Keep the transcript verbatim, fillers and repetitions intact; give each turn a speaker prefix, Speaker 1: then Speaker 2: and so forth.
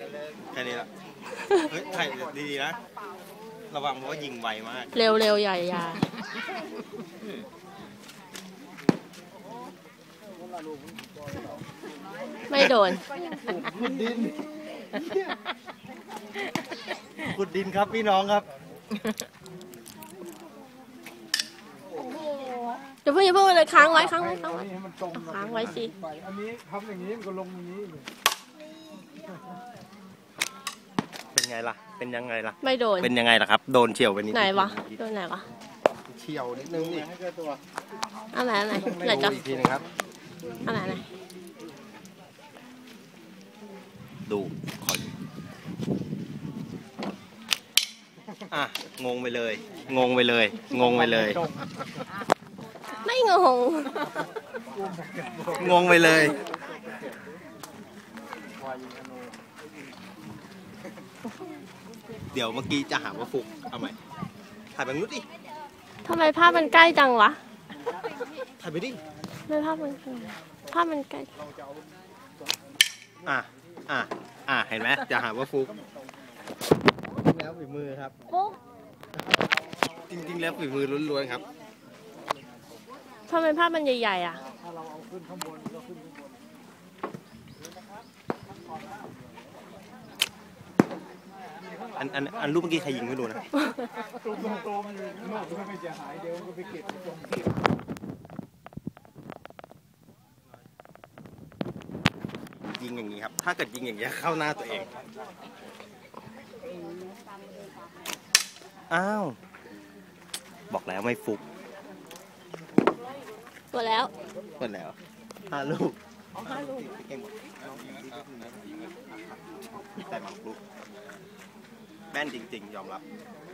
Speaker 1: แค่นี้ละเฮ้ยถ่ายดีๆนะระวังเพราะว่ายิงไวมาก
Speaker 2: เร็วเร็วใหญ่ยาไม่โดน
Speaker 1: ขุดดินขุดดินครับพี่น้องครับ
Speaker 2: เดี๋ยวเพิ่งอย่าเพิ่งเลยค้างไว้ค้างไว้ค้างไว้ค้างไว้สิ
Speaker 3: อันนี้ทำอย่างนี้มันก็ลงอย่างนี้
Speaker 1: เป็นไงล่ะเป็นยังไงล่ะ
Speaker 2: ไม่โดน
Speaker 1: เป็นยังไงล่ะครับโดนเฉียวไปนิด
Speaker 2: ไหนวะโดนไหนวะ
Speaker 1: เฉียวนิดนึงนี่
Speaker 2: อะไรอะไรไหนจ๊ะ
Speaker 1: อีกทีนึงครับ
Speaker 2: อะไรอะไร
Speaker 1: ดูขออ่ะงงไปเลยงงไปเลยงงไปเลย
Speaker 2: ไม่งง
Speaker 1: งงไปเลยเดี๋ยวเมื่อกี้จะหาว่าฟุกเอาใหม่ถ่ายแบบนู้นดิ
Speaker 2: ทำไมภาพมันใกล้จังวะ
Speaker 1: ถ่ายไปดิ
Speaker 2: ไม่ภาพมันภาพมันใกล้
Speaker 1: อ่ะอ่ะอ่ะเห็นไหมจะหาว่าฟุกแล้วฝีมือครับจริงๆแล้วฝีมือล้วนๆครับ
Speaker 2: ทำไมภาพมันใหญ่ๆอ่ะ
Speaker 1: อันอันอันรูปเมื่อกี้ใครยิงไม่รู้นะยิงอย่างนี้ครับถ้าเกิดยิงอย่างนี้เข้าหน้าตัวเองอ้าวบอกแล้วไม่ฟุก
Speaker 2: หมดแล้ว
Speaker 1: หมดแล้วห้าลูก
Speaker 2: ห้าลูก
Speaker 1: เก่งหมดแต่บางลูกแม่นจริงๆยอมรับ